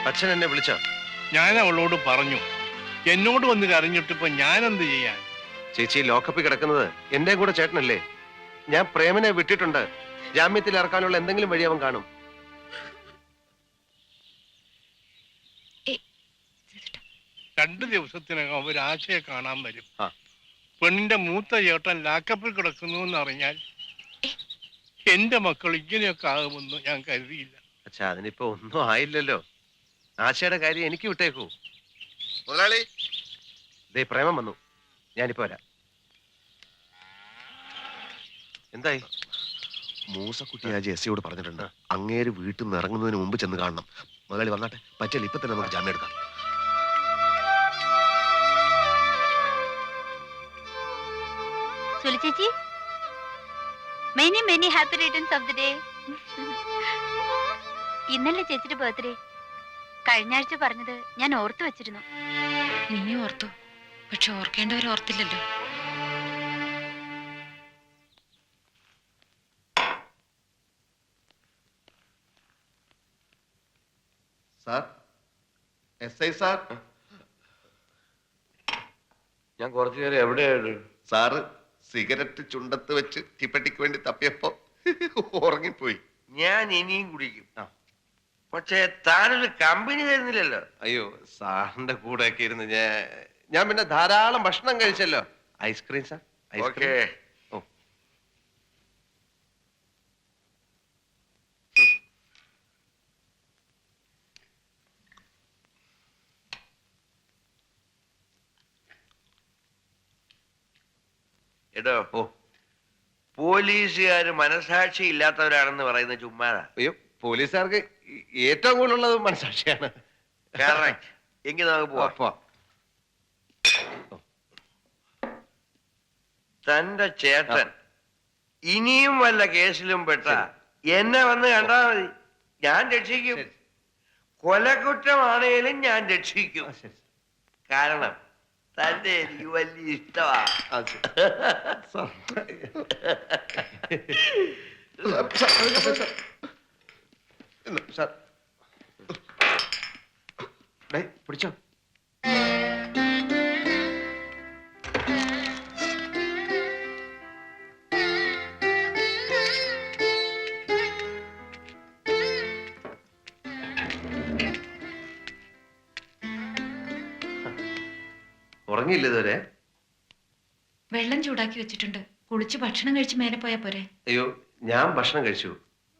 അച്ഛൻ എന്നെ വിളിച്ചോ? ഞാൻ അവളോട് പറഞ്ഞു. എന്നോട് വന്ന് കരഞ്ഞിട്ടിപ്പോ ഞാൻ എന്ത് ചെയ്യാൻ? ചേച്ചി ലോക്കപ്പിൽ കിടക്കുന്നത് എന്റെ കൂടെ ചേട്ടനല്ലേ? ഞാൻ പ്രേമനെ വിട്ടിട്ടുണ്ട്. ജാമ്യത്തിൽ ഇറക്കാനുള്ള എന്തെങ്കിലും വഴി അവൻ കാണും. രണ്ടു ദിവസത്തിനകം അവരാശയെ കാണാൻ വരും. പെണ്ണിന്റെ മൂത്ത ചേട്ടൻ ലാക്കപ്പിൽ കിടക്കുന്നു എന്നറിഞ്ഞാൽ എന്റെ മക്കൾ ഇങ്ങനെയൊക്കെ ആകുമെന്ന് ഞാൻ കരുതിയില്ല. അച്ഛാ, അതിനിപ്പോ ഒന്നും ആയില്ലല്ലോ. ആശയുടെ കാര്യം എനിക്ക് വിട്ടേക്കൂ. മുതലാളി, ദേ പ്രേമം വന്നു. ഞാനിപ്പോ വരാം. എന്തായി? മൂസക്കുട്ടി ആ ജെസ്സിയോട് പറഞ്ഞിട്ടുണ്ട്, അങ്ങേര് വീട്ടിൽ നിന്ന് ഇറങ്ങുന്നതിന് മുമ്പ് ചെന്ന് കാണണം. മുതലാളി വന്നാട്ടെ, പറ്റില്ല ഇപ്പൊ തന്നെ നമുക്ക് ജാമ്യം എടുക്കാം. ചേച്ചി, many happy returns of the day. ഇന്നലെ ചേച്ചിയുടെ ബർത്ത്ഡേ. കഴിഞ്ഞ ആഴ്ച പറഞ്ഞത് ഞാൻ ഓർത്തു വെച്ചിരുന്നു. നീ ഓർത്തു, പക്ഷെ ഓർക്കേണ്ടവർ ഓർത്തില്ലല്ലോ. Sir, SI sir. ഞാൻ കുറച്ചു നേരം എവിടെയാണ്? സാറ് സിഗരറ്റ് ചുണ്ടത്ത് വെച്ച് തീപ്പെട്ടിക്ക് വേണ്ടി തപ്പിയപ്പോ ഉറങ്ങിപ്പോയി. ഞാൻ ഇനിയും കുടിക്കും, പക്ഷേ താനൊരു കമ്പനി തരുന്നില്ലല്ലോ. അയ്യോ, സാറിന്റെ കൂടെ ഒക്കെ ഇരുന്ന് ഞാൻ പിന്നെ ധാരാളം ഭക്ഷണം കഴിച്ചല്ലോ. Ice cream sir, okay. ഓ, എടോ, ഓ, പോലീസുകാര് മനസാക്ഷി ഇല്ലാത്തവരാണെന്ന് പറയുന്ന ചുമ്മാതാ. അയ്യോ, പോലീസുകാർക്ക് ഏറ്റവും കൂടുതലുള്ളത് മനസാക്ഷിയാണ്. കറക്റ്റ്. എങ്കിൽ നമുക്ക് പോവാം. തന്റെ ചേട്ടൻ ഇനിയും വല്ല കേസിലും പെട്ട എന്നെ വന്ന് കണ്ടാ മതി, ഞാൻ രക്ഷിക്കും. കൊലക്കുറ്റമാണേലും ഞാൻ രക്ഷിക്കും. കാരണം തന്റെ എനിക്ക് വലിയ ഇഷ്ടമാ. പിടിച്ചോ. ഉറങ്ങിയില്ല ഇതുവരെ? വെള്ളം ചൂടാക്കി വെച്ചിട്ടുണ്ട്, കുളിച്ച് ഭക്ഷണം കഴിച്ച് മേലെ പോയാ പോരെ? അയ്യോ, ഞാൻ ഭക്ഷണം കഴിച്ചു.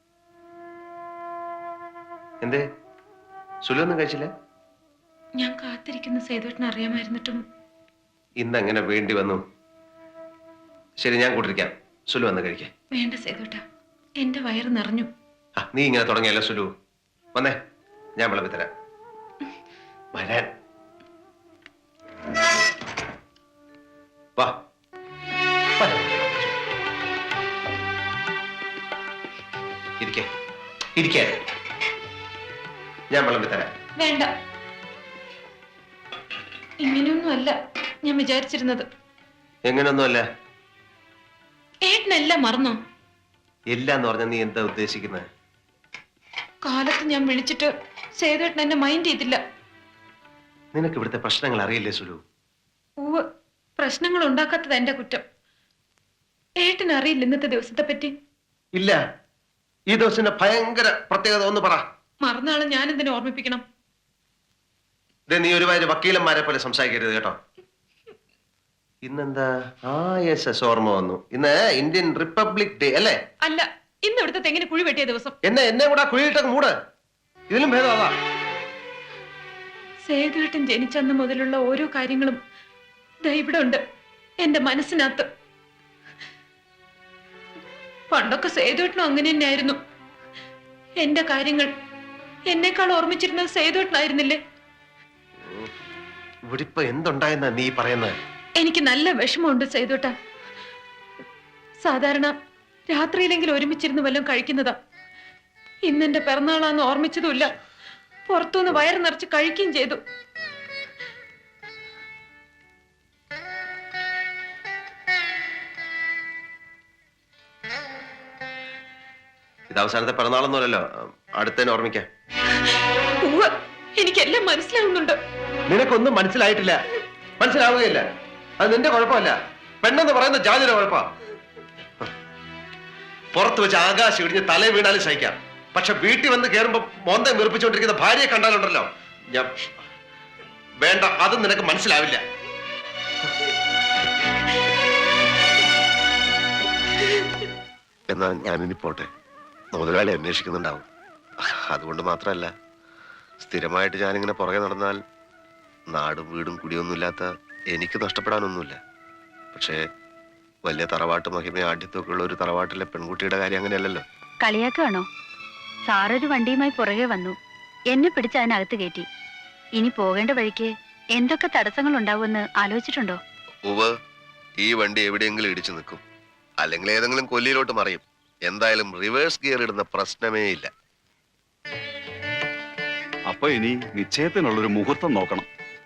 എന്തേ, സുലൊന്നും കഴിച്ചില്ല? ഞാൻ കാത്തിരിക്കുന്ന സേതുവേട്ടന് അറിയാമായിരുന്നിട്ടും ഇന്നെങ്ങനെ വേണ്ടി വന്നു? ശരി, ഞാൻ കൂട്ടിരിക്കാം. സുലു വന്ന് കഴിക്കാം. വേണ്ട സേതുവേട്ട, എന്റെ വയറ് നിറഞ്ഞു. നീ ഇങ്ങനെ തുടങ്ങിയല്ലോ സുലു. വന്നേ, ഞാൻ വിളമ്പി തരാം. വരാൻ വാ. ഇരിക്കേ, ഞാൻ വിളമ്പി തരാം. വേണ്ട, ഇങ്ങനെയൊന്നും അല്ല ഞാൻ വിചാരിച്ചിരുന്നത്. എങ്ങനെയൊന്നുമല്ല. ഏട്ടനെല്ലാം മറന്നോ? എല്ലാന്ന് പറഞ്ഞ നീ എന്താ ഉദ്ദേശിക്കുന്നത്? കാലത്ത് ഞാൻ വിളിച്ചിട്ട് സേതുവേട്ടൻ എന്നെ മൈൻഡ് ചെയ്തില്ല. നിനക്ക് ഇവിടുത്തെ പ്രശ്നങ്ങൾ അറിയില്ലേ സുലു? പ്രശ്നങ്ങൾ ഉണ്ടാക്കാത്തത് എന്റെ കുറ്റം. ഏട്ടന് അറിയില്ല ഇന്നത്തെ ദിവസത്തെ പറ്റി? ഇല്ല. ഈ ദിവസത്തിന്റെ ഭയങ്കര പ്രത്യേകത ഒന്ന് പറ. മറന്നാളെ ഞാൻ എന്തിനെ ഓർമ്മിപ്പിക്കണം? നീ ഒരുപാട് വക്കീലന്മാരെ പോലെ സംസാരിക്കരുത് കേട്ടോ. ഇന്നെന്താ ഓർമ്മ വന്നു. ഇന്ന് ഇന്ത്യൻ റിപ്പബ്ലിക് ഡേ അല്ലേ? അല്ല, ഇന്ന് ഇവിടുത്തെ തെങ്ങിന് കുഴി വെട്ടിയ ദിവസം. എന്നെ കൂടെ കുഴിയിട്ടൊക്കെ മൂട്. ഇതിലും ഭേദം അതാ. സേതുവേട്ടൻ ജനിച്ചന്ന് മുതലുള്ള ഓരോ കാര്യങ്ങളും ഇവിടെ ഉണ്ട് എന്റെ മനസ്സിനകത്ത്. പണ്ടൊക്കെ സേതുവേട്ടനും അങ്ങനെ തന്നെയായിരുന്നു. എന്റെ കാര്യങ്ങൾ എന്നെക്കാൾ ഓർമ്മിച്ചിരുന്നത് സേതുവേട്ടനായിരുന്നില്ലേ? ഇവിടെ ഇപ്പൊ എന്തുണ്ടായെന്നാ നീ പറയുന്നത്? എനിക്ക് നല്ല വിഷമമുണ്ട് സേതുവേട്ട. സാധാരണ രാത്രിയിലെങ്കിലും ഒരുമിച്ചിരുന്ന് വല്ലതും കഴിക്കുന്നതാ. ഇന്നെന്റെ പിറന്നാളാന്ന് ഓർമ്മിച്ചതുമില്ല. പുറത്തുനിന്ന് വയറ് നിറച്ച് കഴിക്കുകയും ചെയ്തു. ഇത് അവസാനത്തെ പിറന്നാളൊന്നുമല്ലല്ലോ, അടുത്തതിനെ ഓർമ്മിക്കാം. എനിക്കെല്ലാം മനസ്സിലാവുന്നുണ്ട്. നിനക്കൊന്നും മനസ്സിലായിട്ടില്ല, മനസ്സിലാവുകയില്ല. അത് നിന്റെ കുഴപ്പമല്ല, പെണ്ണെന്ന് പറയുന്ന ജാതിയുടെ കുഴപ്പ. പുറത്ത് വെച്ച് ആകാശം ഇടിഞ്ഞ് തല വീണാലും സഹിക്കാം, പക്ഷെ വീട്ടിൽ വന്ന് കയറുമ്പോ മോന്തം വീർപ്പിച്ചുകൊണ്ടിരിക്കുന്ന ഭാര്യയെ കണ്ടാലുണ്ടല്ലോ ഞാൻ വേണ്ട, അതും നിനക്ക് മനസ്സിലാവില്ല. എന്നാ ഞാനിനി പോട്ടെ. മുതലാളി അന്വേഷിക്കുന്നുണ്ടാവും. അതുകൊണ്ട് മാത്രമല്ല, സ്ഥിരമായിട്ട് ഞാനിങ്ങനെ പുറകെ നടന്നാൽ നാടും വീടും കുടിയൊന്നുമില്ലാത്ത എനിക്ക് നഷ്ടപ്പെടാനൊന്നുമില്ല. പക്ഷേ വലിയ തറവാട്ട് മഹിമ ആഢ്യത്തൊക്കെ ഉള്ള ഒരു തറവാട്ടിലെ പെൺകുട്ടിയുടെ കാര്യം അങ്ങനെയല്ലല്ലോ. കളിയാക്കാണോ? സാറൊരു വണ്ടിയുമായി പുറകെ വന്നു, എന്നെ പിടിച്ച് അതിനകത്ത് കയറ്റി. ഇനി പോകേണ്ട വഴിക്ക് എന്തൊക്കെ തടസ്സങ്ങൾ ഉണ്ടാവുമെന്ന് ആലോചിച്ചിട്ടുണ്ടോ? ഉവ്വ്, ഈ വണ്ടി എവിടെയെങ്കിലും ഇടിച്ചു നിൽക്കും, അല്ലെങ്കിൽ ഏതെങ്കിലും കൊല്ലിയിലോട്ട് മറിയും. എന്തായാലും റിവേഴ്സ് ഗിയർ ഇടുന്ന പ്രശ്നമേ ഇല്ല. അപ്പൊ ഇനി നിശ്ചയത്തിനുള്ളൊരു മുഹൂർത്തം നോക്കണം.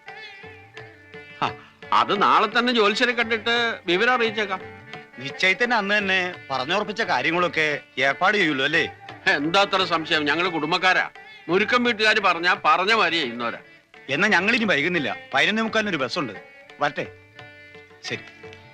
അത് നാളെ തന്നെ ജോത്സ്യരെ കണ്ടിട്ട് വിവരം അറിയിച്ചേക്കാം. നിശ്ചയത്തിന് അന്ന് തന്നെ പറഞ്ഞുറപ്പിച്ച കാര്യങ്ങളൊക്കെ ഏർപ്പാട് ചെയ്യുള്ളൂ അല്ലേ? എന്താ അത്ര സംശയം? ഞങ്ങള് കുടുംബക്കാരാ. മുരുക്കം വീട്ടുകാർ പറഞ്ഞ മാതിരി ചെയ്യുന്നവരാ. എന്നാ ഞങ്ങളിനി വൈകുന്നില്ല. 11:45 ഒരു ബസ്സുണ്ട്. വരട്ടെ. ശരി.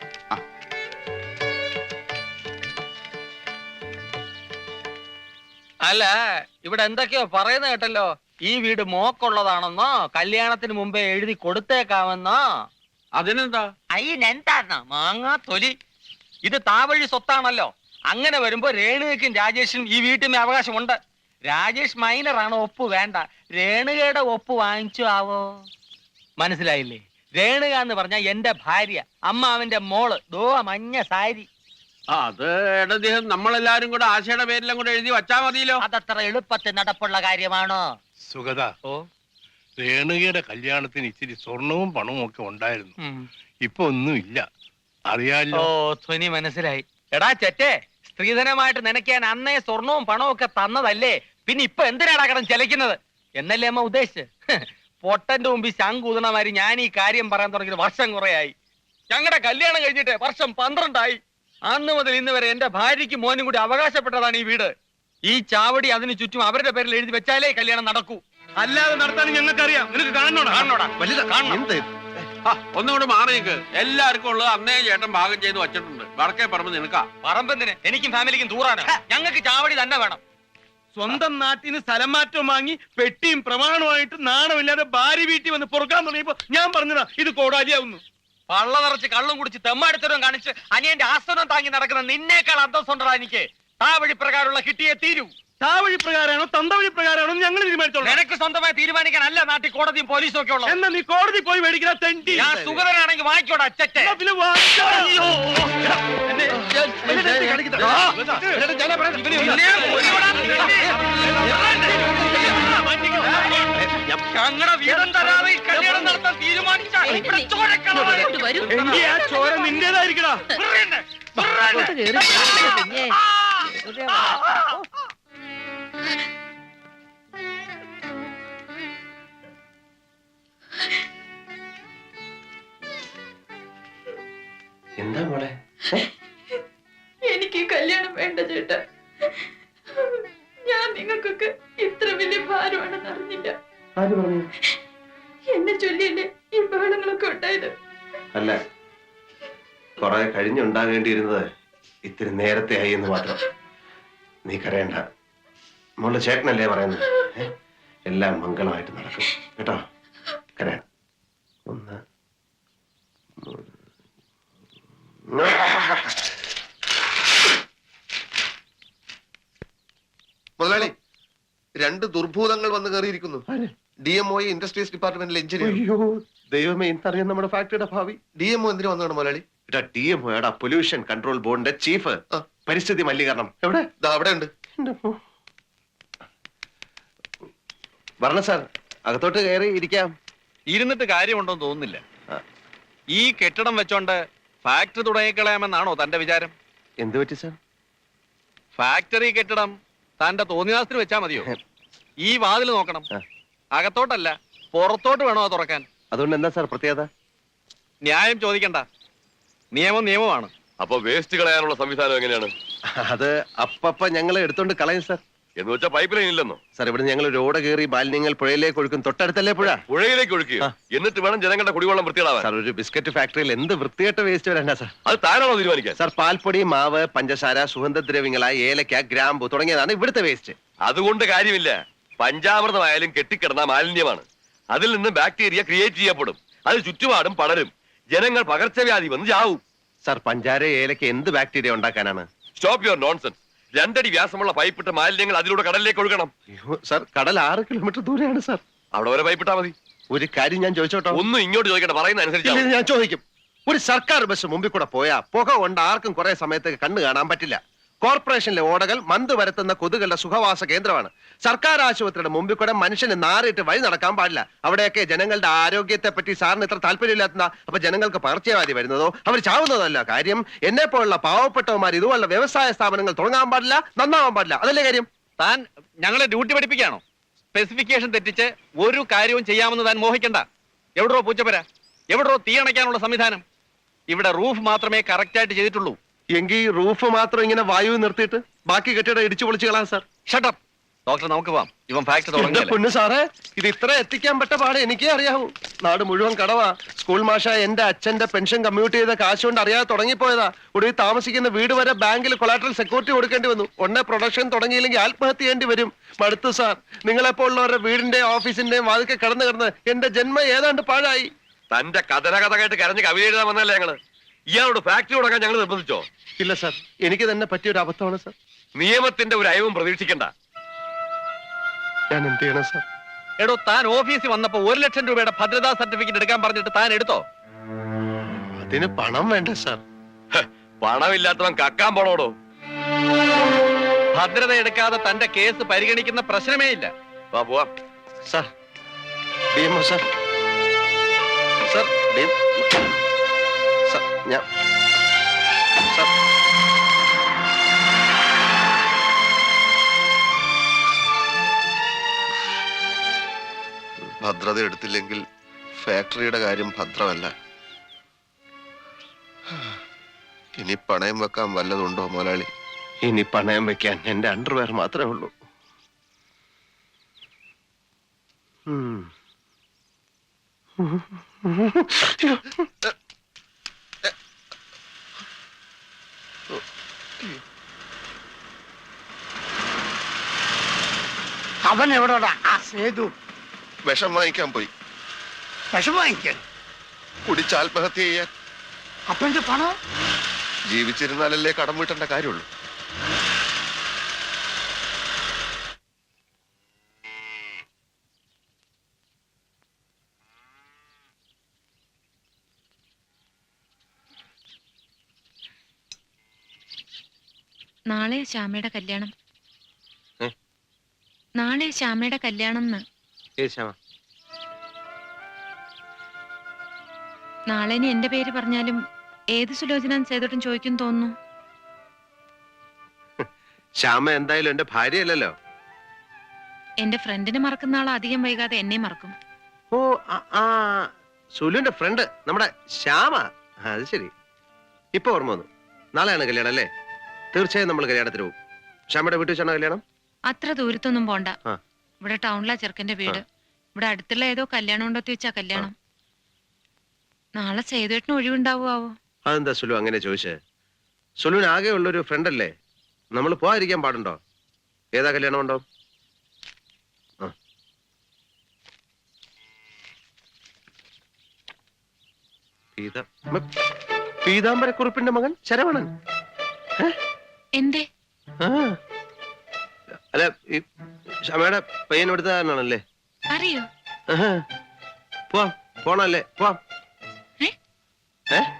അല്ല, ഇവിടെ എന്തൊക്കെയോ പറയുന്ന കേട്ടല്ലോ. ഈ വീട് മോക്കുള്ളതാണെന്നോ കല്യാണത്തിന് മുമ്പേ എഴുതി കൊടുത്തേക്കാമെന്നോ. അതിനെന്താ? അയ്യെന്താ മാങ്ങാ തൊലി, ഇത് താവഴി സ്വത്താണല്ലോ. അങ്ങനെ വരുമ്പോ രേണുകയ്ക്കും രാജേഷിനും ഈ വീട്ടിന് അവകാശമുണ്ട്. രാജേഷ് മൈനറാണ്, ഒപ്പ് വേണ്ട. രേണുകയുടെ ഒപ്പ് വാങ്ങിച്ചു ആവോ? മനസ്സിലായില്ലേ? രേണുക എന്ന് പറഞ്ഞ എന്റെ ഭാര്യ, അമ്മാവന്റെ മോള്. ദോ മഞ്ഞ സാരി. അത് ഇടദ്ദേഹം നമ്മളെല്ലാരും കൂടെ ആശയുടെ പേരിലും കൂടെ എഴുതി വച്ചാ മതിയല്ലോ. അതത്ര എളുപ്പത്തിൽ നടപ്പുള്ള കാര്യമാണോ? സുഗത, ഓ, രേണുകയുടെ കല്യാണത്തിന് ഇച്ചിരി സ്വർണവും പണവും ഒക്കെ ഉണ്ടായിരുന്നു. ഇപ്പൊ ഒന്നുമില്ല, അറിയാലോ. ഓ, ധ്വനി മനസ്സിലായി. എടാ ചെറ്റേ, സ്ത്രീധനമായിട്ട് നനയ്ക്കാൻ അന്നേ സ്വർണവും പണവും ഒക്കെ തന്നതല്ലേ, പിന്നെ ഇപ്പൊ എന്തിനാടാ കിടന്ന് ചെലക്കുന്നത് എന്നല്ലേ അമ്മ ഉദ്ദേശിച്ച്? പൊട്ടന്റെ മുമ്പിൽ ശങ്കൂതണമാരി ഞാൻ ഈ കാര്യം പറയാൻ തുടങ്ങിയത് വർഷം കുറയായി. ഞങ്ങളുടെ കല്യാണം കഴിഞ്ഞിട്ട് വർഷം 12ആയി. അന്ന് മുതൽ ഇന്ന് വരെ എന്റെ ഭാര്യയ്ക്കും മോനും കൂടി അവകാശപ്പെട്ടതാണ് ഈ വീട്. ഈ ചാവടി അതിന് ചുറ്റും അവരുടെ പേരിൽ എഴുതി വെച്ചാലേ കല്യാണം നടക്കൂ. അല്ലാതെ നടത്താൻ ഞങ്ങൾക്കറിയാം. നിനക്ക് കാണണോടാ? ഒന്നുകൂടെ മാറി നിൽക്ക്. എല്ലാവർക്കും ഉള്ളത് അന്നേ ചേട്ടൻ ഭാഗം ചെയ്ത് വച്ചിട്ടുണ്ട്. വടക്കേ പറമ്പ് നിനക്കാ. പറമ്പെന്തിന്? എനിക്കും ഫാമിലിക്കും ദൂരാണ്. ഞങ്ങൾക്ക് ചാവടി തന്നെ വേണം. സ്വന്തം നാട്ടിന് സ്ഥലം മാറ്റം വാങ്ങി പെട്ടിയും പ്രമാണമായിട്ട് നാണമില്ലാതെ ഭാര്യ വീട്ടിൽ വന്ന് പൊറുക്കാൻ തുടങ്ങിയപ്പോ ഞാൻ പറഞ്ഞതാ ഇത് കോടാലിയാവുന്നു. പള്ള നിറച്ച് കള്ളും കുടിച്ച് തെമ്മാടിത്തരം കാണിച്ച് അനിയന്റെ ആസ്വനം താങ്ങി നടക്കുന്ന നിന്നേക്കാൾ അന്തസ്സുണ്ടടാ എനിക്ക്. ആ വഴി പ്രകാരമുള്ള കിട്ടിയേ തീരൂ. ആ വഴി പ്രകാരമാണോ തന്ത വഴി പ്രകാരമാണോ ഞങ്ങൾ തീരുമാനിച്ചോളൂ. നിനക്ക് സ്വന്തമായി തീരുമാനിക്കാനല്ല നാട്ടിൽ കോടതിയും പോലീസും ഒക്കെ ഉള്ളത്. എന്നാ നീ കോടതി പോയി മേടിക്കുന്ന തെണ്ടി. ഞാൻ സുഗതനാണെങ്കിൽ വാങ്ങിക്കോടാ അച്ചറ്റെ. ഞങ്ങളുടെ വീടും തരാതെ കല്യാണം നടത്താൻ തീരുമാനിച്ച എങ്കിൽ ആ ചോര നിന്റേതായിരിക്കടാ. എന്താ മോളെ? എനിക്ക് കല്യാണം വേണ്ട ചേട്ടാ. ഞാൻ നിങ്ങൾക്കൊക്കെ ഇത്ര വലിയ ഭാരമാണെന്ന് അറിഞ്ഞില്ല. ആര് പറഞ്ഞു? എന്നെ ചൊല്ലിയല്ലേ ഈ ബഹളങ്ങളൊക്കെ ഉണ്ടായത്. അല്ല, കുറെ കഴിഞ്ഞുണ്ടാകേണ്ടിയിരുന്നത് ഇത്തിരി നേരത്തെ ആയി എന്ന് മാത്രം. നീ കരയണ്ട മോളുടെ ചേട്ടനല്ലേ പറയുന്നത്. എല്ലാം മംഗളമായിട്ട് നടക്കും കേട്ടോ. കരയാൻ 1 മുതലാളി, 2 ദുർഭൂതങ്ങൾ വന്ന് കയറിയിരിക്കുന്നു. DMO ഇൻഡസ്ട്രീസ് ഡിപ്പാർട്ട്മെന്റിലെ എഞ്ചിനീയർ. അയ്യോ ദൈവമേ, ഇന്നറിയാം നമ്മുടെ ഫാക്ടറിയുടെ ഭാവി. DMO എന്തിനു വന്നതാണ് മുതലാളി? DMO പൊല്യൂഷൻ കൺട്രോൾ ബോർഡിന്റെ ചീഫ്, പരിസ്ഥിതി മലിനീകരണം. എവിടെ? അവിടെ ഉണ്ട്. വരണം സാർ, അകത്തോട്ട് കയറി ഇരിക്കാം. ഇരുന്നിട്ട് കാര്യമുണ്ടോന്ന് തോന്നുന്നില്ല. ഈ കെട്ടിടം വെച്ചോണ്ട് ഫാക്ടറി തുടങ്ങിക്കളയാമെന്നാണോ തന്റെ വിചാരം? എന്ത് പറ്റി സാർ? ഫാക്ടറി കെട്ടിടം തന്റെ തോന്നിയാസത്തിന് വെച്ചാ മതിയോ? ഈ വാതിൽ നോക്കണം. അകത്തോട്ടല്ല, പുറത്തോട്ട് വേണോ അത് തുറക്കാൻ? അതുകൊണ്ട് എന്താ സാർ പ്രത്യേകത? ന്യായം ചോദിക്കണ്ട, നിയമം നിയമമാണ്. അപ്പൊ വേസ്റ്റ് കളയാനുള്ള സംവിധാനം എങ്ങനെയാണ്? അത് അപ്പപ്പ ഞങ്ങൾ എടുത്തോണ്ട് കളയും സാർ. എന്ന് വെച്ചാൽ പൈപ്പ് ലൈൻ ഇല്ലെന്നോ? സാർ ഇവിടെ ഞങ്ങൾ റോഡ് കയറി മാലിന്യങ്ങൾ പുഴയിലേക്ക് ഒഴുക്കും, തൊട്ടടുത്തല്ലേ പുഴ. പുഴയിലേക്ക് ഒഴുക്കുക, എന്നിട്ട് വേണം ജനങ്ങളുടെ കുടിവെള്ളം വൃത്തിയിടാവാൻ. സാർ ഒരു ബിസ്ക്കറ്റ് ഫാക്ടറിയിൽ എന്ത് വൃത്തികെട്ട വേസ്റ്റ് വരണ്ട സാർ. അത് താനാണോ തീരുമാനിക്കാൻ? സാർ പാൽപ്പൊടി, മാവ്, പഞ്ചസാര, സുഗന്ധദ്രവ്യങ്ങളായ ഏലക്ക, ഗ്രാമ്പു തുടങ്ങിയതാണ് ഇവിടുത്തെ വേസ്റ്റ്. അതുകൊണ്ട് കാര്യമില്ല. പഞ്ചാമൃതമായാലും കെട്ടിക്കിടന്ന മാലിന്യമാണ്. അതിൽ നിന്ന് ബാക്ടീരിയ ക്രിയേറ്റ് ചെയ്യപ്പെടും. അത് ചുറ്റുപാടും പടരും. ജനങ്ങൾ പകർച്ചവ്യാധി വന്ന് ചാവും. സാർ പഞ്ചാര, ഏലക്ക എന്ത് ബാക്ടീരിയ ഉണ്ടാക്കാനാണ്? Stop your nonsense. 2 അടി വ്യാസമുള്ള പൈപ്പിട്ട് മാലിന്യങ്ങൾ അതിലൂടെ കടലിലേക്ക് ഒഴുകണം. സാർ കടൽ 6 കിലോമീറ്റർ ദൂരെയാണ് സാർ. അവിടെ വരെ പൈപ്പിട്ടാ മതി. ഒരു കാര്യം ഞാൻ ചോദിച്ചോട്ടോ? ഒന്നും ഇങ്ങോട്ട് ചോദിക്കട്ടെ, പറയുന്ന അനുസരിച്ച് ഞാൻ ചോദിക്കും. ഒരു സർക്കാർ ബസ് മുമ്പിൽ കൂടെ പോയാ പുക കൊണ്ട് ആർക്കും കുറെ സമയത്തേക്ക് കണ്ണു കാണാൻ പറ്റില്ല. കോർപ്പറേഷനിലെ ഓടകൾ മന്ത് വരുത്തുന്ന കൊതുകളുടെ സുഖവാസ കേന്ദ്രമാണ്. സർക്കാർ ആശുപത്രിയുടെ മുമ്പിൽ കൂടെ മനുഷ്യന് നാറിയിട്ട് വഴി നടക്കാൻ പാടില്ല. അവിടെയൊക്കെ ജനങ്ങളുടെ ആരോഗ്യത്തെ പറ്റി സാറിന് ഇത്ര താല്പര്യമില്ലാത്ത അപ്പൊ ജനങ്ങൾക്ക് പകർച്ചവ്യാധി വരുന്നതോ അവർ ചാവുന്നതല്ല കാര്യം. എന്നെ പോലുള്ള പാവപ്പെട്ടവന്മാർ ഇതുപോലുള്ള വ്യവസായ സ്ഥാപനങ്ങൾ തുടങ്ങാൻ പാടില്ല, നന്നാവാൻ പാടില്ല. അതല്ലേ കാര്യം? താൻ ഞങ്ങളെ ഡ്യൂട്ടി പഠിപ്പിക്കുകയാണോ? സ്പെസിഫിക്കേഷൻ തെറ്റിച്ച് ഒരു കാര്യവും ചെയ്യാമെന്ന് താൻ മോഹിക്കണ്ട. എവിടോ പൂച്ചപ്പര, എവിടോ തീയണയ്ക്കാനുള്ള സംവിധാനം? ഇവിടെ റൂഫ് മാത്രമേ കറക്റ്റായിട്ട് ചെയ്തിട്ടുള്ളൂ. എങ്കിൽ റൂഫ് മാത്രം ഇങ്ങനെ വായു നിർത്തിയിട്ട് ബാക്കി കെട്ടിടം ഇടിച്ചു പൊളിച്ചു കളാം സാർ. ഷട്ടപ്പ് ഡോക്ടർ, നമുക്ക് പോവാം. ഇവൻ ഫാക്ടറി തുടങ്ങി. പൊന്നു സാറേ, ഇത് ഇത്ര എത്തിക്കാൻ പറ്റ പാടെ എനിക്കേ അറിയാവൂ. നാട് മുഴുവൻ കടവാ. സ്കൂൾ മാഷ എന്റെ അച്ഛന്റെ പെൻഷൻ കമ്മ്യൂട്ട് ചെയ്ത കാശ് കൊണ്ട് അറിയാതെ തുടങ്ങിപ്പോയതാ. ഒടുവിൽ താമസിക്കുന്ന വീട് വരെ ബാങ്കിൽ കൊളാട്രൽ സെക്യൂരിറ്റി കൊടുക്കേണ്ടി വന്നു. ഒന്നേ പ്രൊഡക്ഷൻ തുടങ്ങിയില്ലെങ്കിൽ ആത്മഹത്യ ചെയ്യേണ്ടി വരും. മടുത്തു സാർ. നിങ്ങളെപ്പോലുള്ളവരുടെ വീടിന്റെ ഓഫീസിന്റെയും വാതിക്കെ കിടന്ന് എന്റെ ജന്മം ഏതാണ്ട് പാഴായി. തന്റെ കഥ കേട്ട് കരഞ്ഞ് കവിത എഴുതാൻ വന്നല്ലേ ഞങ്ങള്. ഇയാളോട് ഫാക്ടറി തുടങ്ങാൻ ഞങ്ങൾ നിർബന്ധിച്ചോ? ഇല്ല സാർ, എനിക്ക് തന്നെ പറ്റിയൊരു അബദ്ധമാണ് സാർ. നിയമത്തിന്റെ ഒരു അയവും പ്രതീക്ഷിക്കണ്ട. ഞാൻ എന്ത് ചെയ്യണം സാർ? എടോ, താൻ ഓഫീസിൽ വന്നപ്പോ 1 ലക്ഷം രൂപയുടെ ഭദ്രതാ സർട്ടിഫിക്കറ്റ് എടുക്കാൻ പറഞ്ഞിട്ട് താൻ എടുത്തോ? അതിന് പണം വേണ്ട സാർ. പണമില്ലാത്തവൻ കക്കാൻ പോണോടോ. ഭദ്രത എടുക്കാതെ തന്റെ കേസ് പരിഗണിക്കുന്ന പ്രശ്നമേ ഇല്ല. വാ പോവാം. Sir DMO sir. Sir sir ഞാൻ സാർ ഭദ്രത എടുത്തില്ലെങ്കിൽ ഫാക്ടറിയുടെ കാര്യം ഭദ്രമല്ല. ഇനി പണയം വെക്കാൻ വല്ലതുണ്ടോ മുതലാളി? ഇനി പണയം വെക്കാൻ എന്റെ അണ്ടർവെയർ മാത്രമേ ഉള്ളൂ. അവൻ എവിടെടാ? ആ സേതു വിഷം വാങ്ങിക്കാൻ പോയി. വിഷം വാങ്ങിക്കാൻ? കുടിച്ച് ആത്മഹത്യ ചെയ്യാൻ. അപ്പന്റെ പണം ജീവിച്ചിരുന്നാലല്ലേ കടം വീട്ടേണ്ട കാര്യമുള്ളൂ. നാളെ ശ്യാമയുടെ കല്യാണം. നാളെ ശ്യാമയുടെ കല്യാണം. നാളെ ഇനി എന്റെ പേര് പറഞ്ഞാലും ഏത് സുലോചന സേതോട്ടും ചോദിക്കും തോന്നുന്നു. ശ്യാമ എന്തായാലും എന്റെ ഭാര്യയല്ലല്ലോ. എന്റെ ഫ്രണ്ടിനെ മറക്കുന്ന ആൾ അധികം വൈകാതെ എന്നെ മറക്കും. ഓ സുലുവിന്റെ ഫ്രണ്ട് നമ്മുടെ ശ്യാമ. അത് ശരി, ഇപ്പൊ ഓർമ്മ വന്നു. നാളെയാണ് കല്യാണം അല്ലേ? തീർച്ചയായും നമ്മൾ കല്യാണത്തിന് പോകും. ശ്യാമയുടെ വീട്ടിൽ വെച്ചാണോ കല്യാണം? അത്ര ദൂരത്തൊന്നും പോണ്ട. ഇവിടെ ടൗണിലാ ചെറുക്കന്റെ വീട്. ഇവിടെ അടുത്തുള്ള ഏതോ കല്യാണം ഉണ്ടോത്തി വെച്ചാ കല്യാണം. നാളെ സേതുവേട്ടന് ഒഴിവുണ്ടാവോ? അതെന്താ സുലു അങ്ങനെ ചോദിച്ചേ? സുലുവിന് ആകെ ഉള്ളൊരു ഫ്രണ്ട് അല്ലേ, നമ്മൾ പോകാതിരിക്കാൻ പാടുണ്ടോ? ഏതാ കല്യാണം ഉണ്ടോ? പീതാംബരക്കുറിപ്പിന്റെ മകൻ ശരവണൻ. എന്തേ? അല്ല, ഈ ക്ഷമയുടെ പയ്യൻ എടുത്താണല്ലേ? അറിയോ? പോവാം, പോണല്ലേ? പോവാം.